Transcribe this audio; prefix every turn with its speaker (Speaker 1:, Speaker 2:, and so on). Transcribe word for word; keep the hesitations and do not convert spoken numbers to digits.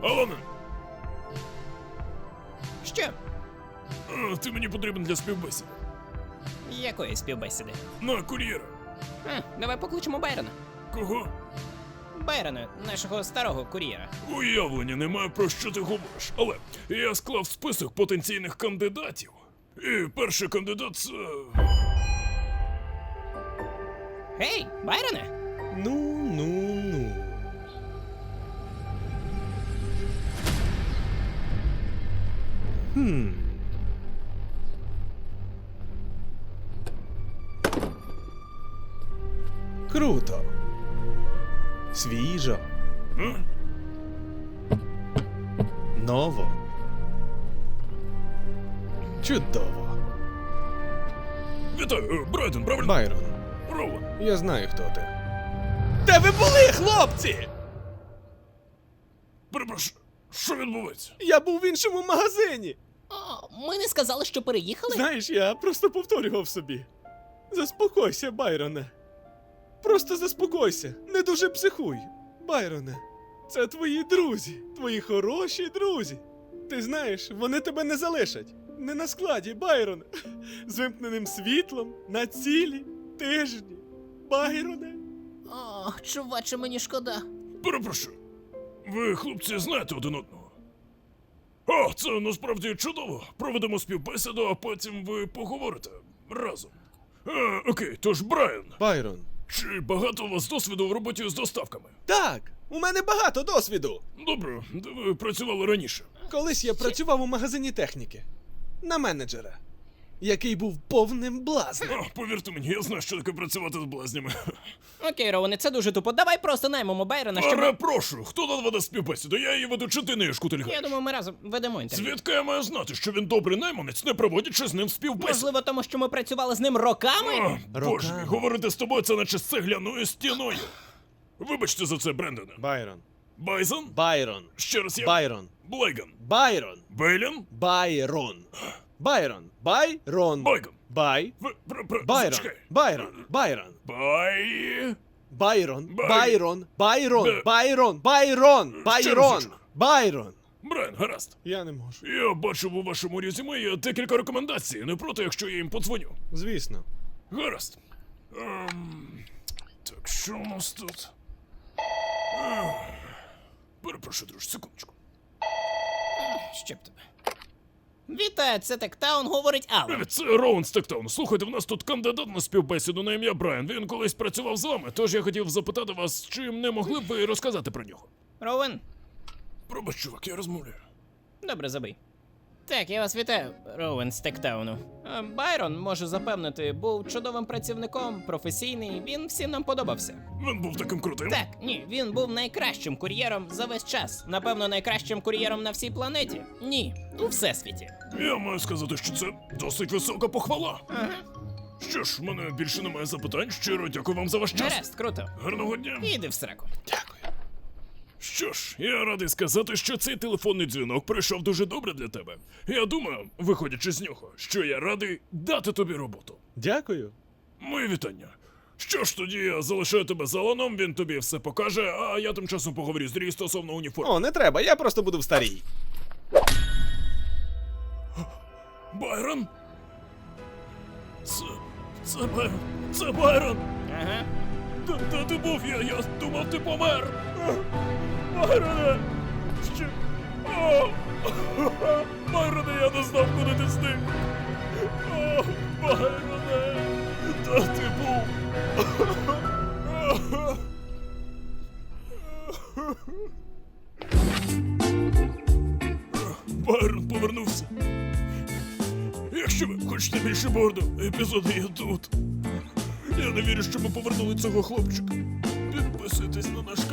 Speaker 1: Алане,
Speaker 2: Що?
Speaker 1: а, ти мені потрібен для співбесіди.
Speaker 2: Якої співбесіди?
Speaker 1: На кур'єра.
Speaker 2: А, давай покличемо Байрона.
Speaker 1: Кого?
Speaker 2: Байрона, нашого старого кур'єра.
Speaker 1: Уявлення немає, про що ти говориш. Але я склав список потенційних кандидатів. І перший кандидат це...
Speaker 2: Гей, Байроне!
Speaker 3: Ну, ну, ну. Хм. Круто. Свіжо.
Speaker 1: А?
Speaker 3: Ново. Чудово.
Speaker 1: Вітаю, е, Брайден, правильно?
Speaker 3: Байрон,
Speaker 1: Роуен.
Speaker 3: я знаю, хто ти. Де ви були, хлопці?
Speaker 1: Перепрошую, що відбувається?
Speaker 3: Я був в іншому магазині.
Speaker 2: О, ми не сказали, що переїхали?
Speaker 3: Знаєш, я просто повторював собі. Заспокойся, Байроне. Просто заспокойся, не дуже психуй. Байроне, це твої друзі, твої хороші друзі. Ти знаєш, вони тебе не залишать. Не на складі, Байрон. З вимкненим світлом, на цілі тижні. Байроне.
Speaker 2: О, чуваче, мені шкода.
Speaker 1: Перепрошую. Ви, хлопці, знаєте один одного? О, це насправді чудово. Проведемо співбесіду, а потім ви поговорите разом. А, окей, тож, Брайан,
Speaker 3: Байрон.
Speaker 1: чи багато у вас досвіду в роботі з доставками?
Speaker 3: Так, у мене багато досвіду.
Speaker 1: Добре, де ви працювали раніше?
Speaker 3: Колись я працював у магазині техніки. На менеджера. Який був повним блазнем.
Speaker 1: О, повірте мені, я знаю, що таке працювати з блазнями.
Speaker 2: Окей, Роуне, це дуже тупо. Давай просто наймемо Байрона, щоб...
Speaker 1: Перепрошую, хто тут веде співбесіду? Я її веду, чи ти не шкутильгаєш?
Speaker 2: Я думаю, ми разом ведемо інтерв'ю.
Speaker 1: Звідки я маю знати, що він добрий найманець, не проводячи з ним співбесіду?
Speaker 2: Можливо, тому що ми працювали з ним роками?
Speaker 1: О, боже
Speaker 3: Роками.
Speaker 1: мій, говорити з тобою це наче з цегляною стіною. Вибачте за це, Брендоне.
Speaker 3: Байрон.
Speaker 1: Байзон?
Speaker 3: Байрон.
Speaker 1: Ще раз я...
Speaker 3: Байрон.
Speaker 1: Блейган.
Speaker 3: Байрон.
Speaker 1: Бейлін?
Speaker 3: Байрон. Байрон. Байрон.
Speaker 1: Байгон.
Speaker 3: Бай.
Speaker 1: В... Пр... Пр...
Speaker 3: Байрон.
Speaker 1: Зачекай.
Speaker 3: Байрон. Байрон.
Speaker 1: Бай...
Speaker 3: Байрон.
Speaker 1: Бай.
Speaker 3: Байрон. Байрон.
Speaker 1: Бе.
Speaker 3: Байрон. Байрон.
Speaker 1: Ще
Speaker 3: Байрон.
Speaker 1: разочок.
Speaker 3: Байрон.
Speaker 1: Брен, гаразд.
Speaker 3: Я не можу.
Speaker 1: Я бачив у вашому резюме є декілька рекомендацій. Не проти, якщо я їм подзвоню.
Speaker 3: Звісно.
Speaker 1: Гаразд. Ем... Так, що у нас тут? Ех. Перепрошую, друже, секундочку.
Speaker 2: Що б тебе? Вітаю, це Тектаун, говорить Алан.
Speaker 1: Привіт, це Роуен з Тектауну. Слухайте, в нас тут кандидат на співбесіду на ім'я Брайан. Він колись працював з вами, тож я хотів запитати вас, чи не могли б ви розказати про нього?
Speaker 2: Роуен,
Speaker 1: Пробач, чувак, я розмовляю.
Speaker 2: добре, забий. Так, я вас вітаю, Роуен з Тектауну. Е, Байрон, можу запевнити, був чудовим працівником, професійний, він всім нам подобався.
Speaker 1: Він був таким крутим.
Speaker 2: Так, ні, він був найкращим кур'єром за весь час. Напевно, найкращим кур'єром на всій планеті. Ні, у всесвіті.
Speaker 1: Я маю сказати, що це досить висока похвала.
Speaker 2: Ага.
Speaker 1: Що ж, в мене більше немає запитань. Щиро дякую вам за ваш час.
Speaker 2: Гаразд, круто.
Speaker 1: Гарного дня.
Speaker 2: Іди в сраку.
Speaker 3: Дякую.
Speaker 1: Що ж, я радий сказати, що цей телефонний дзвінок пройшов дуже добре для тебе. Я думаю, виходячи з нього, що я радий дати тобі роботу.
Speaker 3: Дякую.
Speaker 1: Мої вітання. Що ж, тоді я залишаю тебе з Аланом, він тобі все покаже, а я тим часом поговорю з Дрі стосовно уніформи.
Speaker 3: О, не треба, я просто буду в старій.
Speaker 1: Байрон? Це... це Байрон. Це Байрон!
Speaker 2: Ага.
Speaker 1: Де, де ти був? Я, я думав, ти помер! Байроне! Що? О! Байроне, я не знав, куди ти зник! О, Байроне! Де ти був? Байрон повернувся. Якщо ви хочете більше борду, епізоди є тут. Я не вірю, що ми повернули цього хлопчика. Підписуйтесь на наш